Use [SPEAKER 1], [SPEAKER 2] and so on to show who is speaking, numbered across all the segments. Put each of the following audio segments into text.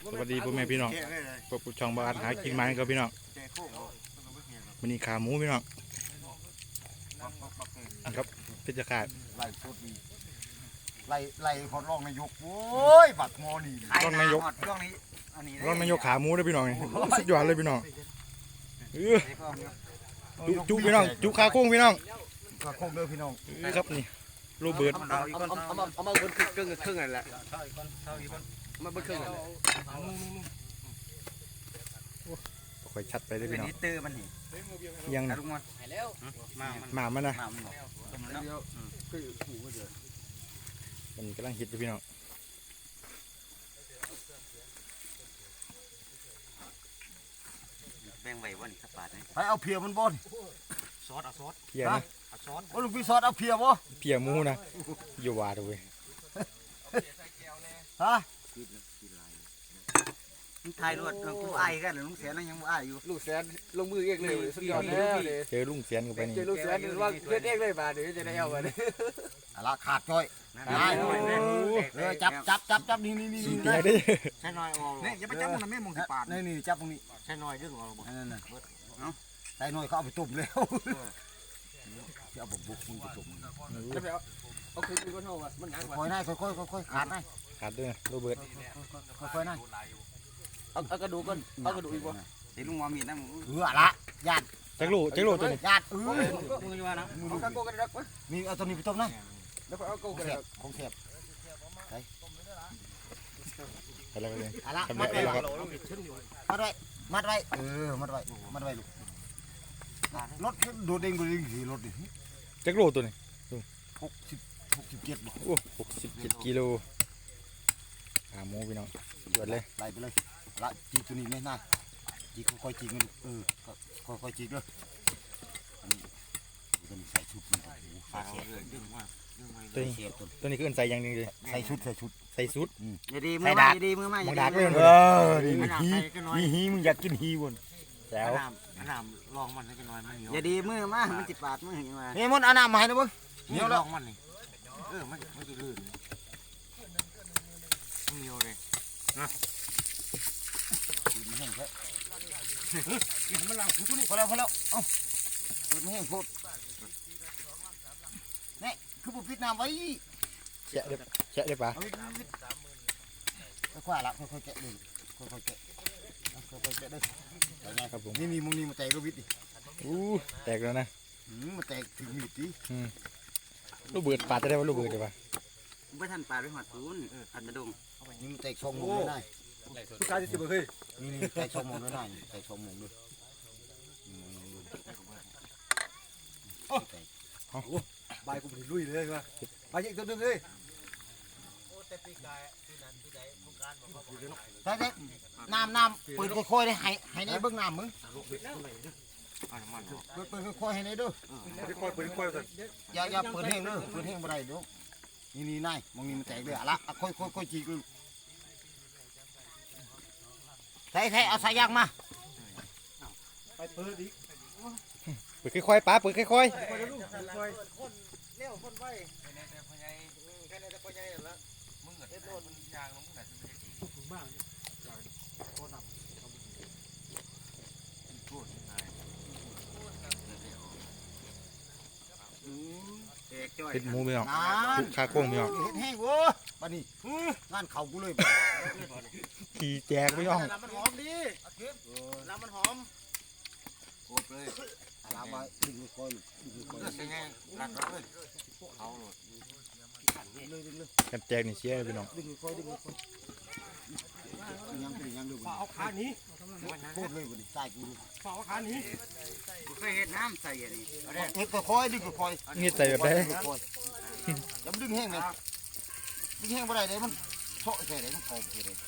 [SPEAKER 1] สวัสดีพ่อแม่พี่น้องพวกผู้ช่องบ้านหากินมันกับพี่น้องมันนี่ขาหมูพี่น้องครับพิจารณา
[SPEAKER 2] ไล่สดนี่ไล่คนรองนายกโว้ยบักงอนี่
[SPEAKER 1] รองนายกรองนายกขาหมูได้พี่น้องสุดยอดเลยพี่น้องจุพี่น้องจุขาโค้งพี่น้อง
[SPEAKER 2] ขาโค้งเด้อพี่น้อง
[SPEAKER 1] ครับนี่โรเบิร์ต
[SPEAKER 3] เอามาเบิ้ลครึ่งนั่นแหละมาเบิ้ลครึ่งนั่นแหละ
[SPEAKER 1] ค่อยชัดไปเลยพี่น้อง
[SPEAKER 3] ตื้อมันนี่
[SPEAKER 1] ยังนะหมามันนะมันกำลังฮิตอยู่พี่น้อง
[SPEAKER 3] แบ่งไว้วันสักบาทนี่
[SPEAKER 2] ไปเอาเพียมันบ่น
[SPEAKER 3] ซอส
[SPEAKER 1] เพียนะ
[SPEAKER 3] ซอส
[SPEAKER 2] โอ้ลุงพี่ซอสเอาเพียบ่
[SPEAKER 1] เพียหมูนะอยู่วาดเว้ย
[SPEAKER 2] ฮะ
[SPEAKER 3] ไทยรวดกูไอ้กันลุงเสียนั่งยังไอ้อยู่
[SPEAKER 4] ลูกแสนลงมือเองเลยสุดยอดแล้ว
[SPEAKER 1] เจอลุงเสียนกันไปนี่
[SPEAKER 4] เจอลูกแสนว่าเล่นเองเลยมาเดี๋ยวจะได้เอาไปเลย
[SPEAKER 2] ละขาดจ้อยจับนี่
[SPEAKER 1] ขี้เตี้ยดิ
[SPEAKER 3] ใช่น้อยเนี่ยอย่าไปจับมันไม่มองที่ปาก
[SPEAKER 2] นี่จับตรงนี้
[SPEAKER 3] ใช่น้อยดึงออก
[SPEAKER 2] นั่นใส่น้อยเขาเอาไปต้มแล้วเอาบุกมึงไปต้ม
[SPEAKER 4] เอาคืนก็เท่ามันหนักกว่า
[SPEAKER 2] ค่อยๆค่อยขาด
[SPEAKER 1] ด้วยโรเบิร์ต
[SPEAKER 2] ค่อยๆ
[SPEAKER 4] เอากระดูกก่อนเอากระดูกอีกบ่
[SPEAKER 3] ไอ้ลุงมอมีนั่ง
[SPEAKER 2] ละญาติ
[SPEAKER 1] จักรลูตัวนี้
[SPEAKER 2] ญาติ
[SPEAKER 4] มึงอยู่ว่านะเอากระโกกันดักวะ
[SPEAKER 2] นี่เอาตัวนี้ไปต้มนะ
[SPEAKER 4] แล้วก็เอาโกกัน
[SPEAKER 2] ของเสียบ
[SPEAKER 1] อะไรกันเลย
[SPEAKER 2] มัดไว้มัดไว้ลูกรถโดดเด้งขี่รถดิ
[SPEAKER 1] จักรลูตัวนี้
[SPEAKER 2] 67บ่
[SPEAKER 1] โอ้67กิโลขาหมูพี่น้องหยดเลย
[SPEAKER 2] ไล่ไปเลยละจีตัวนี้ไม่น่าจีค่อยๆจีมันค่อยๆจีเลยตัวนี้ใส่ชุดมันตัวนี้คือใส่ยังนึงเลยใส่ชุด
[SPEAKER 3] อย่าดีมือมา
[SPEAKER 1] มึงดักเลย
[SPEAKER 2] นี่ฮีมึงอยากกินฮีวน
[SPEAKER 1] แล้ว
[SPEAKER 3] ลองมันให้กันหน่อยมันเหนียวอย่าดีมือมามันจิบปาดมืออย่างมา
[SPEAKER 2] เฮ้ยมันเอาน้ำมาให้นะเบิ้ง
[SPEAKER 3] เหนียวลองมันนี่มันจะลื่นเหนียวเลยนะ
[SPEAKER 2] กินไม่แห้งแค่กินมันหลังถูนี่พอแล้วเอ้ากินไม่แห้งโคตรนี่คือผมปิดน้ำไว้
[SPEAKER 1] แฉะได้ปะ
[SPEAKER 2] ค่อยๆละค่อยๆแกะเลยค่อยๆแกะได้
[SPEAKER 1] ครับผม
[SPEAKER 2] นี่มึงนี่มาแตกรูวิทดิ
[SPEAKER 1] แตกแล้วนะ
[SPEAKER 2] มาแตกถึงมีดดิ
[SPEAKER 1] ลูกเบิดปาดจะได้ว่าลูกเบิดได้ปะ
[SPEAKER 3] ไม่ทันปาดไปหัดตูนอัดกระดง
[SPEAKER 2] นี่มันแตกช่องมุมได้
[SPEAKER 4] ผู้ชายจะเฮ้ย
[SPEAKER 2] นี่แตกช่องมุมได้แตกช่องมุมด้วย
[SPEAKER 4] ใบกูไปลุยเลยว่ะใบยิ่งตัวนึงเลย
[SPEAKER 2] แต่น้ำเปิดค่อยๆได้ให้ในเบื้องน้ำมึงเปิดค่อยๆให้ในด้วยอย่าเปิดแห้งด้วยเปิดแห้งบ่ได้ด้วยนี่นายมองนี่มันแตกเลยอะละค่อยจีกใส่เอาสายยางมา
[SPEAKER 4] ไปเปิดอีก
[SPEAKER 1] เปิดค่อยๆป้าเปิดค่อยๆ
[SPEAKER 4] เลี้ยวคนไป
[SPEAKER 1] เป็นหมูพี่น้องขาโค้งพี่น้อง
[SPEAKER 2] เห็ดแห้งโว้บ้านนี้งานเขากูเลย
[SPEAKER 1] ขี่แจกพี่น้อง
[SPEAKER 4] น้ำมันหอมดีน้ำมันหอม
[SPEAKER 2] โคตรเลยน้ำมาดึงค่อย
[SPEAKER 3] เป็นไงรักเลยเขา
[SPEAKER 1] กันแจกนี่เชี่ยพี่น้อง
[SPEAKER 2] ดึงค่อยยังดู
[SPEAKER 4] เอาขาหนี
[SPEAKER 2] โคตรเลยบ้านนี้ใส่กู
[SPEAKER 4] เอาขาหนี
[SPEAKER 3] กูเคยเห็นน้ำใส่อย่างนี้
[SPEAKER 2] เห็ดค่อยดึงค่อย
[SPEAKER 1] นี่ใส่แบบไหน
[SPEAKER 2] อย่าดึงแห้งเลยดึงแห้งบ่ได้เลยมันโซ่ใส่เลยมันขอบใส่เลย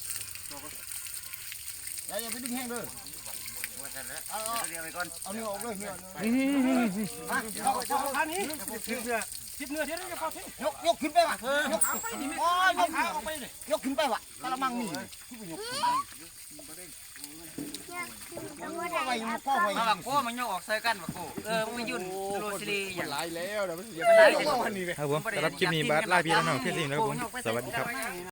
[SPEAKER 2] อย่าไปดึงแห้งเลย
[SPEAKER 3] เอาเดี๋ยวไปก่อน
[SPEAKER 2] เอาเนื้อออกเลยเนื้อ
[SPEAKER 4] เอาขาหนีจิบเนื้อเดี๋ยวจะเข้าที่
[SPEAKER 2] ยกขึ้นไปว่ะยกขึ้นไปว่ะกระมังนี่
[SPEAKER 3] มาบักโก้มันยกออกใส่กันบักโก้มันยุ่นโรซีรีอย่าง
[SPEAKER 4] ไรแล้วเดี๋ยวมันเสีย
[SPEAKER 1] ครับผมสำหรับคลิปนี้บาสไล่พี่แล้วน้องเพื่อนสิงแล้วผมสวัสดีครับ